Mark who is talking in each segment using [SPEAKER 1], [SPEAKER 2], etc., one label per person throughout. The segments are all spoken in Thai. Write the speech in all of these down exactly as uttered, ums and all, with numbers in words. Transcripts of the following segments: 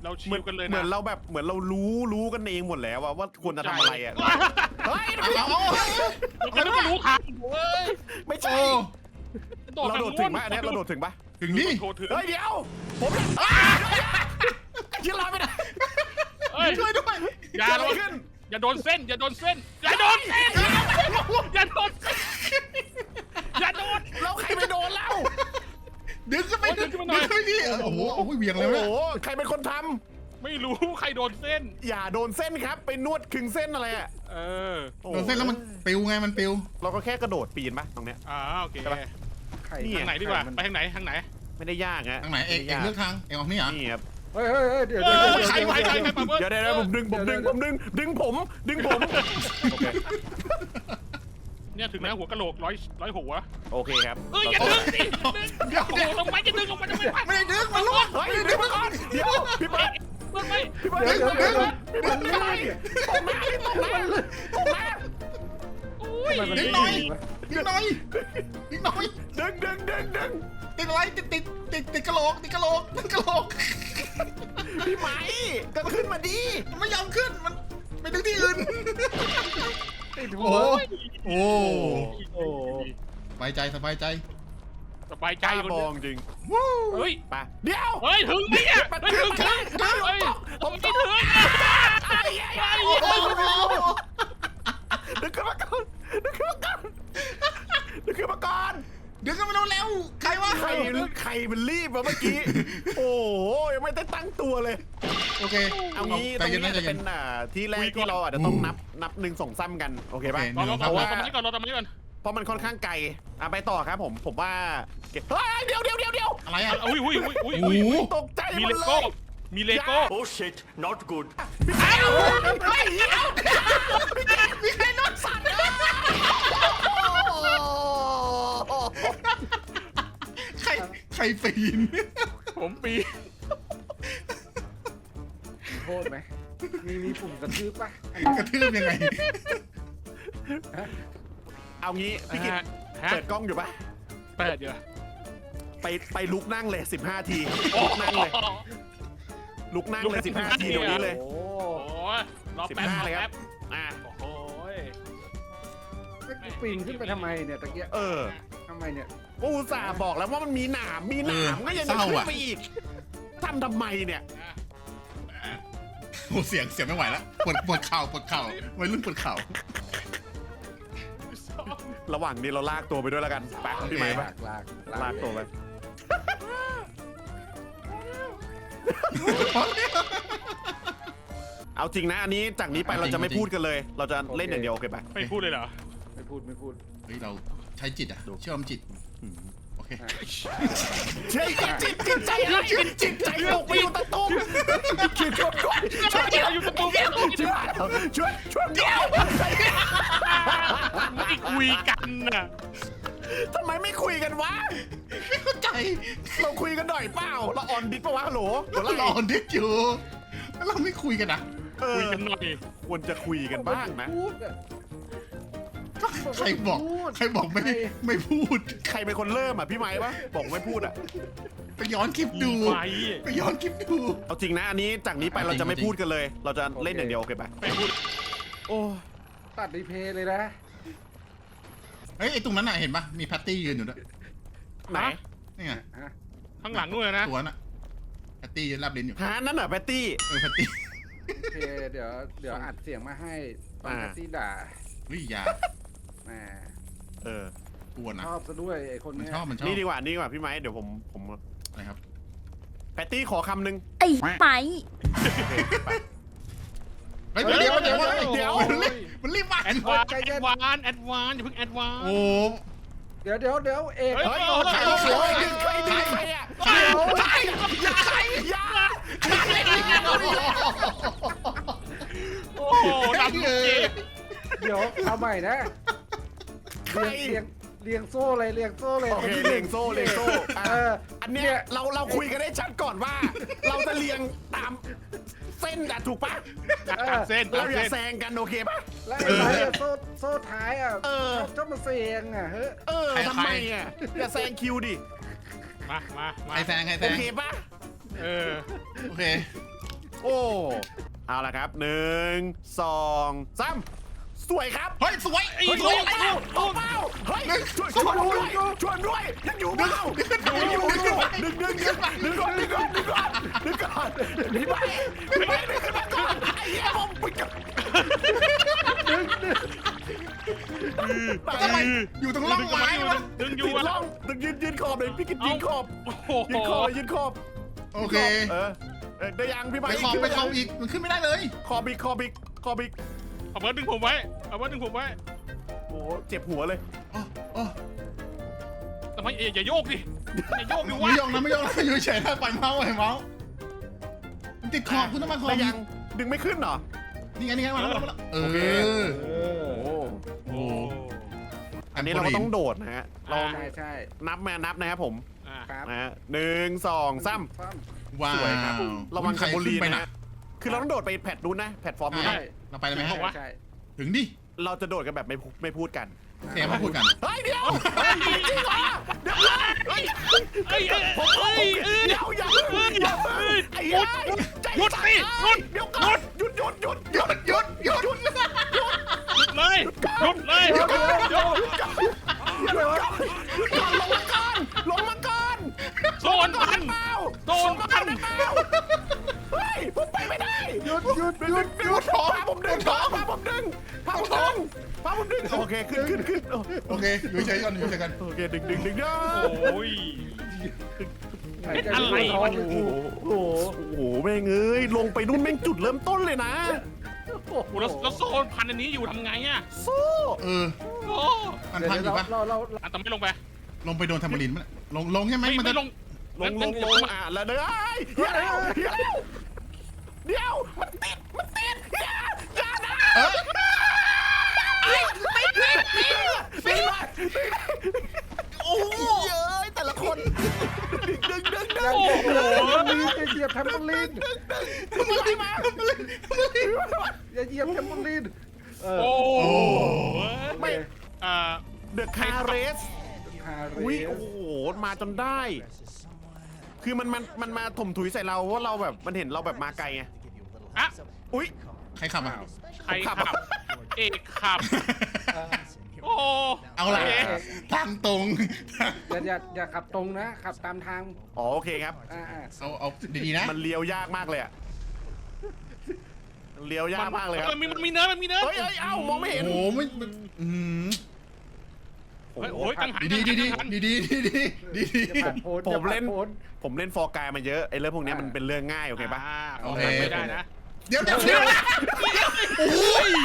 [SPEAKER 1] เราชิ
[SPEAKER 2] เหมือ
[SPEAKER 1] วน กันเลยนะ
[SPEAKER 2] เหมือนเราแบบเหมือนเรารู้รู้กันเองหมดแล้วว่าว่าควรจะทำอะไรอ่ะเฮ้ย
[SPEAKER 3] เอาเอา
[SPEAKER 1] เราก็รู้ทางเว้ย
[SPEAKER 2] ไม่ใช่
[SPEAKER 1] โดด
[SPEAKER 2] เราโดดถึงปะอันเนี้ยเราโดดถึงปะ
[SPEAKER 3] ถึงนี่
[SPEAKER 1] โดดถึง
[SPEAKER 2] เฮ้ยเดี๋ยวผมเนี่ยยืนรอไม่ได้
[SPEAKER 1] เฮ้ย
[SPEAKER 3] ช่วยด้วย
[SPEAKER 1] อย่าโดนอย่าโดนเส้นอย่าโดนเส้นอย่าโดนเส้นอย่าโดนเส้นอย่าโดน
[SPEAKER 2] เราใครไปโดนเล่า
[SPEAKER 3] ดึงขึ้นไปดึง
[SPEAKER 1] ดึ
[SPEAKER 3] ขึ้
[SPEAKER 1] ง
[SPEAKER 3] น
[SPEAKER 1] ขึ้นมาหน่อย
[SPEAKER 3] ไปดิโอ้โหโอ้โหเวียงเล
[SPEAKER 2] โอ้
[SPEAKER 3] ย
[SPEAKER 2] โห
[SPEAKER 3] เนี่ย
[SPEAKER 2] ใครเป็นคนท
[SPEAKER 1] ไม่รู้ใครโดนเส้น
[SPEAKER 2] ำอย่าโดนเส้นครับไปนวดคึงเส้นอะไรอ่ะ
[SPEAKER 1] เออ
[SPEAKER 2] โอ้
[SPEAKER 3] โดนเส้นแล้วมันปิวไงมันปิว
[SPEAKER 2] เราก็แค่กระโดดปีนปะตรงเนี้ย
[SPEAKER 1] อ่าโอเค
[SPEAKER 2] ใช่ปะ
[SPEAKER 4] ไข่
[SPEAKER 2] นี่
[SPEAKER 1] ทางไหนดีกว่าไปทางไหนทางไหน
[SPEAKER 2] ไม่ได้ยากฮะ
[SPEAKER 3] ทางไหนเอกเอกเลือกทางเอกออกนี่เหรอ
[SPEAKER 2] นี่ครับ
[SPEAKER 4] เฮ้ยเฮ้ยเฮ้ยเดี๋ยว
[SPEAKER 1] เอ
[SPEAKER 4] เดี๋ยว
[SPEAKER 1] อ
[SPEAKER 4] เดี๋ยว
[SPEAKER 1] ใครใครใครใครมาเบิ้ล
[SPEAKER 2] เดี๋ยวเดี๋ยวเดี๋ยวผมดึงผมดึงผมดึงดึงผมดึงผมโอเค
[SPEAKER 1] เนี่ยถึงแล้วหัวกะโหลกร้อยร้อยหัว
[SPEAKER 2] โอเคครับ
[SPEAKER 1] เอ้ยอย่าดึงสิโอ้โหลงไปจะดึงลงไปทำไมวะ
[SPEAKER 3] ไม่ได้ดึงมันล่วง
[SPEAKER 2] เฮ้ยดึงมาก่อนเดี๋ยวพี่เบิร์ด
[SPEAKER 1] ลงไป
[SPEAKER 2] พี่เบิร์ด
[SPEAKER 4] เดี๋ยวเดี๋ยวเดี๋ยว
[SPEAKER 2] พี่เบิร์ดไม่ได้ตกมาตกมาตกมา
[SPEAKER 1] อุ้ย
[SPEAKER 3] ดึงหน่อยดึงหน่อยดึงหน่อย
[SPEAKER 2] ดึงดึงดึงดึง
[SPEAKER 3] ติดอะไรติดติดติดติดกระโหลกติดกระโหลกติดกระโหลก
[SPEAKER 2] พี่ไหมก็ขึ้นมาดี
[SPEAKER 3] มันไม่ยอมขึ้นมันไปดึงที่อื่น
[SPEAKER 4] ติด
[SPEAKER 3] โอ้
[SPEAKER 4] หัว
[SPEAKER 3] โหโอ้
[SPEAKER 4] โอ้
[SPEAKER 3] สบายใจสบายใจ
[SPEAKER 1] สบายใจ
[SPEAKER 2] ใจ
[SPEAKER 1] คน
[SPEAKER 2] บ
[SPEAKER 1] เดี
[SPEAKER 2] อ
[SPEAKER 1] ยว
[SPEAKER 2] งจริง
[SPEAKER 3] วู้
[SPEAKER 1] เฮ้ย
[SPEAKER 2] ไปเดี๋ยว
[SPEAKER 1] เฮ้ยถึงไหมเนี่ย
[SPEAKER 2] มัน
[SPEAKER 1] ไม่
[SPEAKER 2] ถึ
[SPEAKER 1] ถึ
[SPEAKER 2] ง
[SPEAKER 1] ง
[SPEAKER 2] ถึงถึง
[SPEAKER 1] เฮ้ย
[SPEAKER 2] ผม
[SPEAKER 1] ไม่
[SPEAKER 2] ตก
[SPEAKER 1] ถึง
[SPEAKER 2] ไอ้ไอ้ไอ้
[SPEAKER 3] โอ้โห
[SPEAKER 2] ดึงขึ้นมาก่อนดึงขึ้นมาก่อนดึงขึ้นมาก่อน
[SPEAKER 3] ดึงกันมาเร็วๆใครวะ
[SPEAKER 2] ใครใครมันรีบมาเมื่อกี้ โอ้โหยังไม่ได้ตั้งตัวเลย
[SPEAKER 3] โอเค
[SPEAKER 2] เอางี้ต
[SPEAKER 3] ใจ
[SPEAKER 2] รง
[SPEAKER 3] เย็น
[SPEAKER 2] นี้
[SPEAKER 3] นะใจ
[SPEAKER 2] จะ
[SPEAKER 3] เย็
[SPEAKER 2] เป็น นอ่าที่แรกที่เราอาจจะต้องนับนับหนึ่งสองซ้ำกันโอเคป่ะ
[SPEAKER 1] รอรอ
[SPEAKER 3] โอเค
[SPEAKER 1] รอ
[SPEAKER 2] ว่า
[SPEAKER 1] ตรงนี้ก่อนรอตรงนี้ก่อน
[SPEAKER 2] เพราะมันค่อนข้างไกลอ่ะไปต่อครับผมผมว่าเก็บเฮ้ยเดี๋ยวเดี๋ยวเดี๋ยวเดี๋ยว
[SPEAKER 3] อะไรอ่ะ
[SPEAKER 1] อุ้ยอุ้ยอุ้ยอุ้ย
[SPEAKER 3] โอ้
[SPEAKER 1] อุ้ย
[SPEAKER 3] โห
[SPEAKER 2] ตกใจห
[SPEAKER 1] มี
[SPEAKER 2] ม
[SPEAKER 1] เล
[SPEAKER 2] ดเล
[SPEAKER 1] โก้
[SPEAKER 2] ย
[SPEAKER 1] มีเลโก้
[SPEAKER 5] Oh shit, not good.
[SPEAKER 2] เอ้าเฮ้ยเดี๋ยวมีใครนอนสั่นเลย
[SPEAKER 3] ใครใครปีน
[SPEAKER 1] ผมปี
[SPEAKER 4] โทษไหมมีมีปุ่มกระทืบปะ
[SPEAKER 3] กระทืบยังไง
[SPEAKER 2] เอางี้พี่กิต
[SPEAKER 1] ฮะ
[SPEAKER 2] เปิดกล้องอยู่ปะ
[SPEAKER 1] เปิดอยู่
[SPEAKER 2] ไปไปลุกนั่งเลยสิบห้าทีลุกนั่งเลยลุกนั่งเลยสิบห้าทีเดี๋ยวนี้เลย
[SPEAKER 4] โอ้
[SPEAKER 1] โอ้ยรอ
[SPEAKER 2] สิบ
[SPEAKER 1] แป๊บ
[SPEAKER 2] ห้าร
[SPEAKER 1] อ
[SPEAKER 2] เลยค
[SPEAKER 1] แป๊
[SPEAKER 2] รั
[SPEAKER 1] บบ
[SPEAKER 2] อ่ะ
[SPEAKER 1] โอ้ย
[SPEAKER 4] กูปีนขึ้นไปทำไมเนี่ยตะเกียบ
[SPEAKER 2] เออ
[SPEAKER 4] ทำไมเนี่ย
[SPEAKER 2] กูอุตส่าห์บอกแล้วว่ามันมีหนามมีหนามก็ยังจะขึ้นไปอีกทำทำไมเนี่ย
[SPEAKER 3] โอ้เสียงเสียงไม่ไหวแล้วปวดปวดเข่าปวดเข่าวัยรุ่นปวดเข่า
[SPEAKER 2] ระหว่างนี้เราลากตัวไปด้วยแล้วกันไปพี่ไม้
[SPEAKER 4] ลา
[SPEAKER 2] ปะ
[SPEAKER 4] กลาก
[SPEAKER 2] ลากตัวไปเอาจริงนะอันนี้จากนี้ไปเราจะไม่พูดกันเลย เราจะเล่นอย่างเดียวโอเคปะ
[SPEAKER 1] ไม่พูดเลยเหรอ
[SPEAKER 4] ไม่พูดไม่พูด
[SPEAKER 3] เฮ้ยเราใช้จิตอ่ะเชื่อมจิตโอเค
[SPEAKER 2] เชื่อจิตจิตใจอะไรจิตใจตกไปอยู่ตะตุ่มช่วยช่วยช่วยช่วยอยู่ตะตุ่มช่วยช่วยเดียว
[SPEAKER 1] ไม่คุยกันน่ะ
[SPEAKER 2] ทำไมไม่คุยกันวะ
[SPEAKER 3] ไม่เข้าใจ
[SPEAKER 2] เราคุยกันหน่อยเปล่าเราออนดิสปะวะฮัลโหลเดี๋ยว
[SPEAKER 3] เรา
[SPEAKER 2] เรา
[SPEAKER 3] ออนดิสอยู่แล้วเราไม่คุยกันอ่ะ
[SPEAKER 2] เออ
[SPEAKER 1] คุยกันหน่อย
[SPEAKER 2] ควรจะคุยกันบ้างนะ
[SPEAKER 4] พูดอะ
[SPEAKER 3] ใครบอกใครบอกไม่ไม่พูด
[SPEAKER 2] ใครเป็นคนเริ่มอ่ะพี่ไม้ปะบอกไม่พูดอ่ะ
[SPEAKER 3] ไปย้อนคลิปดู
[SPEAKER 1] ไป
[SPEAKER 3] ไปย้อนคลิปดู
[SPEAKER 2] เอาจริงนะอันนี้จากนี้ไปเราจะไม่พูดกันเลย เราจะเล่นอย่างเดียวโอเคปะ
[SPEAKER 1] ไม่พูด
[SPEAKER 2] โอ้
[SPEAKER 4] ตัดรีเพย์เลยนะ
[SPEAKER 3] เฮ้ยไอตรงนั้นน่ะเห็นปะมีแพตตี้ยืนอยู่ด้วย
[SPEAKER 2] ไหน
[SPEAKER 3] นี่ไง
[SPEAKER 4] ฮะ
[SPEAKER 1] ข้างหลังนู่นนะ
[SPEAKER 3] ตัวน่ะแพตตี้ยืนรับลิ้นอยู่
[SPEAKER 2] หานั่นเหรอแพตตี้
[SPEAKER 3] เออแพตตี้
[SPEAKER 4] โอเคเดี๋ยวเดี๋ยวอัดเสียงมาให้ตอน
[SPEAKER 2] อ่า
[SPEAKER 4] แท็กซี่ด่า
[SPEAKER 3] วิยา
[SPEAKER 4] แหม
[SPEAKER 2] เออก
[SPEAKER 3] ลัวนะ
[SPEAKER 4] ชอบซะด้วยไอ้คน
[SPEAKER 3] มัน
[SPEAKER 4] เนี้ย
[SPEAKER 3] ชอบมันชอบ
[SPEAKER 2] นี่ดีกว่านี่ดีกว่าพี่ไม้เดี๋ยวผมผม
[SPEAKER 3] อะไรครับ
[SPEAKER 2] แพตตี้ขอคำหนึ่ง
[SPEAKER 6] ไอ้ไหม
[SPEAKER 3] เฮ้ยเดี๋ยวเดี๋ยวเดี๋ยว
[SPEAKER 2] เดี๋ยว
[SPEAKER 3] มันรีบมันรีบมา
[SPEAKER 1] แอดวานแอดวานแอดวานอย่าเพิ่งแอดวาน
[SPEAKER 3] โอ้
[SPEAKER 4] เดี๋ยวเดี๋ยวเดี๋ยวเอก
[SPEAKER 1] เฮ้ย
[SPEAKER 2] เฮ้ยใครใครใครใครใครอ่ะใครใครอย่าใครอย่า
[SPEAKER 1] โอ้โหดำเกม
[SPEAKER 4] เดี๋ยวเอาใหม่นะ
[SPEAKER 2] ใคร
[SPEAKER 4] เรียงเรียงเรียงโซ่เลยเรียงโซ่เลย
[SPEAKER 2] โอเคเลียงโซ่เลียงโซ่
[SPEAKER 4] เออ
[SPEAKER 2] อันเนี้ยเราเราคุยกันได้ชัดก่อนว่า เราจะเลียงตามเส้นอะถูกปะ
[SPEAKER 1] ตามเส้น
[SPEAKER 2] เรา
[SPEAKER 1] ตาม
[SPEAKER 2] อย่า
[SPEAKER 1] เส้น
[SPEAKER 2] แซงกันโอเคปะ
[SPEAKER 4] แล้วไอ้ไม้อะโซ่โซ่ท้ายอ่ะ
[SPEAKER 2] เออ
[SPEAKER 4] ชอบมาเสียงอ่ะเฮ้ย
[SPEAKER 2] เออทำไมอ่ะอย่าแซงคิวดิ
[SPEAKER 1] มามามา
[SPEAKER 3] ใครแซงใครแซ
[SPEAKER 2] โอง เคปะ
[SPEAKER 1] เออ
[SPEAKER 3] โอเค
[SPEAKER 2] โอ้เอาละครับหนึ่งสองสามสวยครับ
[SPEAKER 3] เฮ้ยสวย
[SPEAKER 1] ไอ้
[SPEAKER 3] เฮ้ยส
[SPEAKER 1] ลู
[SPEAKER 3] วย
[SPEAKER 1] ก
[SPEAKER 3] เฮ้ย
[SPEAKER 1] ลูกลูก
[SPEAKER 2] เปล่าเฮ้ยช่วยช่วยด้วยช่วยด้วยยังอยู่เปล่ายังอยู่ดึงดึงดึงดึงก่อนดึงก่อนดึงก่อนดึงก่อนดึงไปดึงไปดึงขึ้นมาก่อนไอ้เหี้ยผมไปกับ
[SPEAKER 3] ทำไมอยู่ตรงร่องไม้วะ
[SPEAKER 1] ดึงอ
[SPEAKER 2] ยื
[SPEAKER 1] ยู่
[SPEAKER 2] น
[SPEAKER 1] อะ
[SPEAKER 2] ล่องดึงยืนยืนขอบเลยพี่กินยืนขอบ
[SPEAKER 1] โอ้โห
[SPEAKER 2] ยืนขอบยืนขอบ
[SPEAKER 3] โอเค
[SPEAKER 2] เออได้ยังพี่
[SPEAKER 3] ไป
[SPEAKER 2] ไม้
[SPEAKER 3] ขอบไปขอบอีกมันขึ้นไม่ได้เลย
[SPEAKER 2] ขอบอีกขอบอีกขอบอีก
[SPEAKER 1] เอาเบิร์ดดึงผมไว้เอาเบิร์ดดึงผมไว้
[SPEAKER 2] โอ้เจ็บหัวเลย
[SPEAKER 3] อ๋ออ๋อ
[SPEAKER 1] ทำไมอย่าโยกดิอย่าโยกดิวะ
[SPEAKER 3] ไม่ยองนะไม่ยองนะอยู่เฉยๆนะปล่อยเมาส์ปล่อยเมาส์มันติดขอบคุณต้องมาขอบ
[SPEAKER 2] ได้ยังดึงไม่ขึ้นเหรอ
[SPEAKER 3] นี่ไงนี่ไงมาแล้วมาแล้วเอ
[SPEAKER 2] โอเค
[SPEAKER 3] อ
[SPEAKER 4] เออ
[SPEAKER 2] โอ้
[SPEAKER 3] โอ้
[SPEAKER 2] อันนี้เราก็ต้องโดดนะฮะเรา
[SPEAKER 4] ใช่ใช่
[SPEAKER 2] นับมานับนะครับผม
[SPEAKER 1] อ่า
[SPEAKER 4] ครับ
[SPEAKER 2] นะฮะหนึ่งสองสาม
[SPEAKER 4] ปั้ม
[SPEAKER 3] ว้า
[SPEAKER 2] สวยครับ
[SPEAKER 3] ว
[SPEAKER 2] ระวัง
[SPEAKER 3] ใคร
[SPEAKER 2] แคมโบลี
[SPEAKER 3] ขึ้นไป
[SPEAKER 2] นะ
[SPEAKER 3] นะ
[SPEAKER 2] ฮะคือเราต้องโดดไปแพลตนู้นนะแพลตฟอร์มนู้น
[SPEAKER 3] ใช่
[SPEAKER 2] นะ
[SPEAKER 3] เราไปเลยไหมฮะ
[SPEAKER 4] ใช่ใช่
[SPEAKER 3] ถึงดิ
[SPEAKER 2] เราจะโดดกันแบบไม่ไม่พูดกัน
[SPEAKER 3] เสียมาพูดกัน
[SPEAKER 2] เฮ้ยเดี๋ยวเฮ้ยจริงเหรอเดี๋ยวเฮ้ย
[SPEAKER 1] เอ้ยเอ้ย
[SPEAKER 2] ผม
[SPEAKER 1] เอ้ยเอ้ย
[SPEAKER 2] เดี๋ยวอย่าเพิ่งอย่าเพิ่งไอ้
[SPEAKER 1] หยุด
[SPEAKER 2] ใจ
[SPEAKER 1] หยุดสิหยุด
[SPEAKER 2] เดี๋ยวก่อนหยุดหยุดหยุดหยุด
[SPEAKER 3] หยุดหยุดหยุด
[SPEAKER 1] เลยหยุดเลยหยุดหยุด
[SPEAKER 2] หยุดก่อนหยุดก่อนลงมาก่อนลงมาก่อน
[SPEAKER 1] โซนพัน
[SPEAKER 2] เปล่า
[SPEAKER 1] โซนพัน
[SPEAKER 2] เฮ้ยผมไปไม่ได้
[SPEAKER 3] หยุดหยุดหยุดหยุดท้อง
[SPEAKER 2] พาผมดึงพาผมดึงพาผมดึงพาผมดึงโอเคขึ้นขึ้นขึ้น
[SPEAKER 3] โอเคอยู่เฉยๆก่อนอยู่เฉยๆก่อน
[SPEAKER 2] โอเคดึงดึงดึงเด้อ
[SPEAKER 1] โอ้ย
[SPEAKER 4] หายใจ
[SPEAKER 1] อะไร
[SPEAKER 4] ไม่ออก
[SPEAKER 2] โอ้โหโอ้โหแม่งเอ้ยลงไปนู่นแม่งจุดเริ่มต้นเลยนะ
[SPEAKER 1] โอ้โหแล้วแล้วโซนพันอันนี้อยู่ทำไงอ่ะ
[SPEAKER 2] สู้
[SPEAKER 3] เออ
[SPEAKER 1] โอ้
[SPEAKER 3] มัน
[SPEAKER 4] เดี๋ยว
[SPEAKER 3] พังอยู่ปะ
[SPEAKER 4] เราเรา
[SPEAKER 1] อันแต่ไม่ลงไป
[SPEAKER 3] ลงไปโดนแทมโบลินมั้ยลงลงใช่ไหม
[SPEAKER 1] ไม่
[SPEAKER 3] มัน
[SPEAKER 1] ไม่
[SPEAKER 3] จะ
[SPEAKER 1] ลง
[SPEAKER 2] ลงลงลงอ่ะแล้วเด้อเดี๋ยวเดี๋ยวเดี๋ยวมันติดมันติดอย่าอย่านะ
[SPEAKER 3] เออ
[SPEAKER 2] ไม่ติดไม่ติดโอ้ยเย้ยแต่ละคนดึงดึงดึง
[SPEAKER 1] โอ้โห
[SPEAKER 4] ลีนจะเหยียบแทมโบลีน
[SPEAKER 3] ทำอะไรมาทำอะไรทำอะไร
[SPEAKER 4] อย่าเหยียบแทมโบลีนเออ
[SPEAKER 1] โอ้
[SPEAKER 3] โอ้
[SPEAKER 2] ไม่
[SPEAKER 1] อ่า
[SPEAKER 2] เดอะคาร์เรส
[SPEAKER 4] คาเร
[SPEAKER 2] อุ้ยโอ้โหมาจนได้ คือมันมันมันมาถมถุยใส่เราเพราะเราแบบมันเห็นเราแบบมาไกลไง
[SPEAKER 1] อะ
[SPEAKER 2] อุ้ย
[SPEAKER 3] ใครขับอ่ะ
[SPEAKER 1] ใครขับ เอกขับ โอ้
[SPEAKER 3] เอาละทางตรง
[SPEAKER 4] อย่าอย่าอย่าขับตรงนะขับตามทาง
[SPEAKER 2] อ๋อโอเคครับ
[SPEAKER 4] อ่าอ่า
[SPEAKER 3] เอาเอาดีๆนะ
[SPEAKER 2] มันเลี้ยวยากมากเลยอะเลี้ยวยากมากเลยครับ
[SPEAKER 1] มันมีมันมีเนื้อมันมีเนื้อ
[SPEAKER 2] เฮ้ยเฮ้ยเอ้ามองไม่เห็น
[SPEAKER 3] โอ้โหไม่อืม
[SPEAKER 1] เฮ้ยโอ้ยกังหัน
[SPEAKER 3] ดีดีดีดีดีดีดีดีดี
[SPEAKER 4] อย่าผ่านโพน
[SPEAKER 2] ผมเล่น
[SPEAKER 4] อย่าผ่าโพน
[SPEAKER 2] ผมเล่นฟอร์กายมาเยอะไอ้เรื่องพวกเนี้ยมันเป็นเรื่องง่ายโอเคปะ
[SPEAKER 1] า
[SPEAKER 3] โอเค
[SPEAKER 1] ไม่ได้นะ
[SPEAKER 3] เดี๋ยวเดี๋ยวเดี๋ยว
[SPEAKER 1] โอ้ย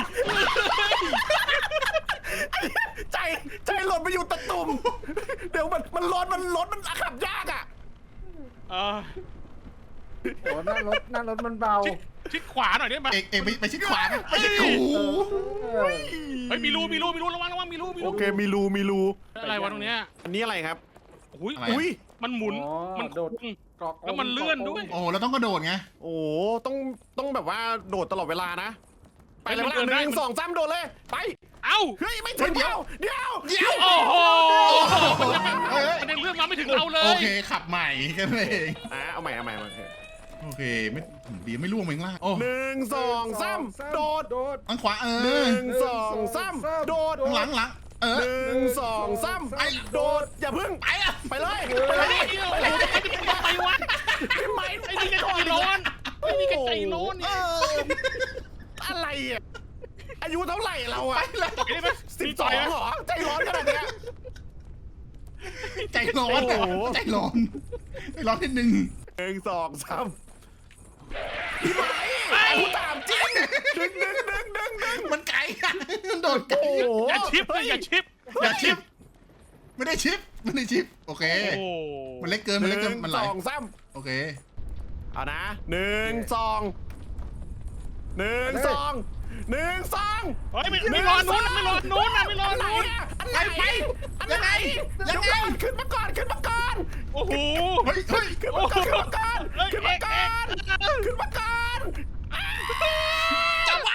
[SPEAKER 2] ใจใจหล่นไปอยู่ตะตุ่มเดี๋ยวมันมันร้อนมันรถมันขับยากอ่ะ
[SPEAKER 1] เออ
[SPEAKER 4] โอ้หน้ารถหน้ารถมันเบา
[SPEAKER 1] ชิดชิดขวาหน่อยได้ไหม
[SPEAKER 3] เอกเอกไปไปชิดขวานะไปชิดขวา
[SPEAKER 4] เออ
[SPEAKER 1] เฮ้ยมีรูมีรูมีรูระวังระวังมีรูมี
[SPEAKER 2] โอ
[SPEAKER 1] รู
[SPEAKER 2] เคมีรูมีรู
[SPEAKER 1] อะไรวะตรงเนี้ย
[SPEAKER 2] อันนี้อะไรครับ
[SPEAKER 1] อุ้ย
[SPEAKER 3] อะไร
[SPEAKER 2] อุ้ย
[SPEAKER 1] มันหมุน
[SPEAKER 4] อ๋อ
[SPEAKER 1] มัน
[SPEAKER 4] โดด
[SPEAKER 1] คุ้ง
[SPEAKER 4] เกาะกง
[SPEAKER 1] แล้วมันเลื่อนด้วย
[SPEAKER 3] โอ้เราต้องกระโดดไง
[SPEAKER 2] โอ้ต้องต้องแบบว่าโดดตลอดเวลานะ ไปเลย
[SPEAKER 1] มัน
[SPEAKER 2] ละ
[SPEAKER 1] เกิน
[SPEAKER 2] ห
[SPEAKER 1] ได้
[SPEAKER 2] นึ่งสองสามโดดเลยไป
[SPEAKER 1] เอ้า
[SPEAKER 2] เฮ้ยไม่ถึงเดียวเดียว
[SPEAKER 3] เดี๋ยว
[SPEAKER 1] โอ้โห
[SPEAKER 3] เฮ้ย
[SPEAKER 1] มันยังเลื่อนมาไม่ถึงเราเล
[SPEAKER 3] โอย เคขับใหม่กันเอง
[SPEAKER 2] อ่ะเอาใหม่เอาใหม่เอาใหม่
[SPEAKER 3] โอเคไม่ดีไม่ล่วงไปข้างล่างโอ้
[SPEAKER 2] หนึ่งสองสามโดด
[SPEAKER 4] โดด
[SPEAKER 3] ทางขวาเอ
[SPEAKER 2] ห
[SPEAKER 3] อ
[SPEAKER 2] นึ่งสองสามโดด
[SPEAKER 3] ข้างหลังหลังเออ
[SPEAKER 2] หนึ่งสองสามไอ้โดดอย่าพึ่ง
[SPEAKER 3] ไปอ่ะ
[SPEAKER 2] ไปเลย
[SPEAKER 1] ไป
[SPEAKER 2] ไป
[SPEAKER 1] เล
[SPEAKER 2] เลย ย
[SPEAKER 1] โอ้โหไปวะ
[SPEAKER 2] ทำไม
[SPEAKER 1] ไอ้นี่ก็ใจร้อนไอ้นี่ก็ใจร้อน
[SPEAKER 2] เอ
[SPEAKER 1] เนี่ย
[SPEAKER 2] ออะไรอ่ะอายุเท่าไหร่เราอ่ะ
[SPEAKER 1] ต่อยได้ไหม
[SPEAKER 2] สิบ
[SPEAKER 1] มี
[SPEAKER 2] ส
[SPEAKER 1] ต่
[SPEAKER 2] อ
[SPEAKER 1] อง ยไหม
[SPEAKER 2] เหรอใจร้อนขนาดเนี้ย
[SPEAKER 3] ใจร้อนอะ
[SPEAKER 2] โอ้โห
[SPEAKER 3] ใจร้อนใจร้อนนิดนึง
[SPEAKER 2] หนึ่งสองสามพี่ไหมไอ้กูถามจริงดึงดึงดึงดึงดึง
[SPEAKER 3] มันไกลอะมันโดดไกล
[SPEAKER 2] โอ้โห
[SPEAKER 1] อย่าชิปเลยอย่าชิป
[SPEAKER 3] อย่าชิปไม่ได้ชิปไม่ได้ชิปโอเค
[SPEAKER 1] โอ้
[SPEAKER 3] มันเล็กเกินมันเล็กเกินมันไหล
[SPEAKER 2] หงสองสาม
[SPEAKER 3] โอเค
[SPEAKER 2] เอานะหนึ่งสองหนึ่งสองหนึ่งสอง
[SPEAKER 1] เฮ้ยไม่ไม่รอนู้นไม่รอนู้นนะไม่รอ
[SPEAKER 2] อะไร
[SPEAKER 1] นู้น
[SPEAKER 2] อะอะไรไปอะไรเดี๋ยวก่อนขึ้นมาก่อนขึ้นมาก่อน
[SPEAKER 1] โอ้โห
[SPEAKER 3] เฮ้ยเฮ้ย
[SPEAKER 2] ขึ้นมาก่อนขึ้นมาก่อนขึ้นมาก่อนขึ้นมาก่อน
[SPEAKER 1] จับไว้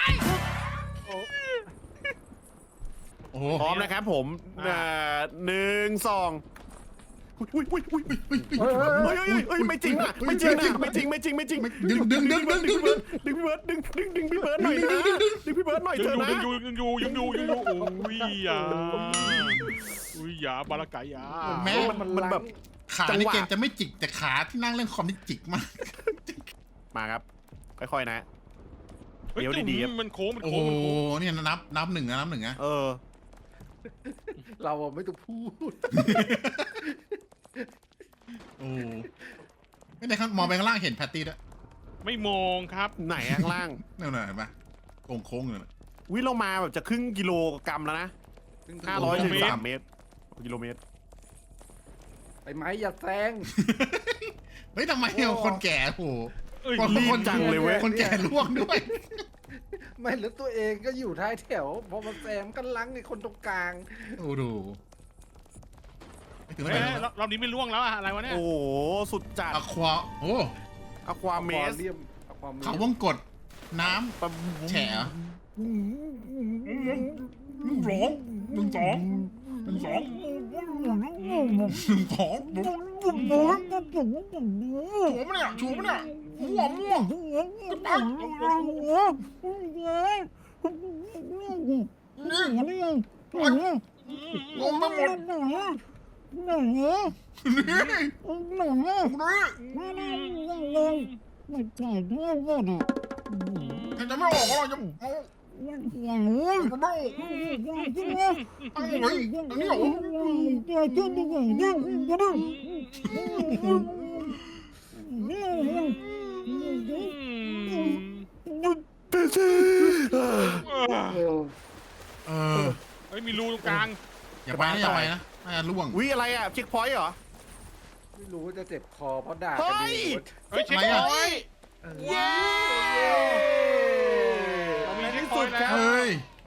[SPEAKER 3] โอ้โห
[SPEAKER 2] พร้อมนะครับผมเอ่อหนึ่งสองอุ้ยอุ้ยอุ้ยอุ้ยเฮ้ยเฮ้ยเฮ้ยไม่จริงอ่ะไม่จริงอ่ะไม่จริงไม่จริงไม่จริง
[SPEAKER 3] ดึงดึงดึงดึงดึงดึง
[SPEAKER 2] ดึงพี่เบิร์ดดึงดึงดึงพี่เบิร์ดหน่อยนะดึงพี่เบิร์ดหน่อยเถ
[SPEAKER 1] ยัง
[SPEAKER 2] อะ
[SPEAKER 1] อยู่
[SPEAKER 2] นะ
[SPEAKER 1] ยังอยู่ยังอยู่ยังอยู่ยังอยู่โอ้ยอย่าอุ้ยอย่าบาราไกยา
[SPEAKER 3] แม้
[SPEAKER 2] มันมันแบบ
[SPEAKER 3] ขาในเกมจะไม่จิกแต่ขาที่นั่งเล่นคอมนี่จิกมาก
[SPEAKER 2] มาครับค่อยๆนะ
[SPEAKER 1] เฮ้ย
[SPEAKER 2] เดี๋ยวดีๆครับ
[SPEAKER 1] มันโค้งมัน
[SPEAKER 3] โอ้
[SPEAKER 1] โค้งมันโค้ง
[SPEAKER 3] เนี่ยนับนับหนึ่งนะนับหนึ่งนะ
[SPEAKER 2] เออ
[SPEAKER 4] เราอะไม่ต้องพูด
[SPEAKER 3] โอ้ไม่ได้ครับมองไปข้างล่างเห็นแพตตี้ด้วย
[SPEAKER 1] ไม่มองครับ
[SPEAKER 2] ไหนข้างล่าง
[SPEAKER 3] นั่นน่ะเห็นปะโค้งโค้งเลยนะ
[SPEAKER 2] วิเรามาแบบจะครึ่งกิโลกรัมแล้วนะห้าร้อยถึงสามเมตรกิโลเมตร
[SPEAKER 4] ไอ้ไม้อย่าแซง
[SPEAKER 3] เฮ้ยทำไมเนี่ยคนแก่โอ้
[SPEAKER 1] เอ้ย
[SPEAKER 3] คน
[SPEAKER 2] รีบ
[SPEAKER 3] คน
[SPEAKER 2] จังเลยเว้ย
[SPEAKER 3] คนแก่ล่วงด้วย
[SPEAKER 4] ไม่แล้วตัวเองก็อยู่ท้ายแถว พอมาแซงก็ลังไอ้คนตรงกลาง
[SPEAKER 3] โอ้ดูไม่ถึง
[SPEAKER 1] เฮ้
[SPEAKER 3] ไห
[SPEAKER 1] ย
[SPEAKER 3] น
[SPEAKER 1] รอบรอบนี้ไม่ล่วงแล้วอะอะไรวะเนี่ย
[SPEAKER 2] โอ้โหสุดจัด
[SPEAKER 3] อะควาโอ้
[SPEAKER 2] อควาเมส
[SPEAKER 4] เรียมความ
[SPEAKER 3] เขาวงกดน้ำแฉะหนึ่งสองหนึ่งสองหนึ่งสองหนึ่งสองชูมันเนี่ยชูมันเนี่ยม่วงม่วงกระปังนี่งงไปหมดนี่นี่ใครจะไม่ออกก็จะเอาจะไม่ออกเอาเลยอันนี้เหรอเออ
[SPEAKER 1] เฮ้ยมีรูตรงกลาง
[SPEAKER 3] อย่าไปนะอย่าไปนะน่าจะล่วง
[SPEAKER 2] วิอะไรอ่ะเช็คพอยต์เหรอ
[SPEAKER 4] ไม่รู้ว่าจะเจ็บคอเพราะด่า
[SPEAKER 2] เฮ้
[SPEAKER 4] กัน
[SPEAKER 2] ย
[SPEAKER 4] อยู่
[SPEAKER 1] เฮ้ยเช็ค
[SPEAKER 3] ทำไม
[SPEAKER 1] พ
[SPEAKER 3] อะ
[SPEAKER 1] อยต์
[SPEAKER 2] เย้
[SPEAKER 1] เรามีเช็คพอยต์แล้ว
[SPEAKER 3] เฮ้ย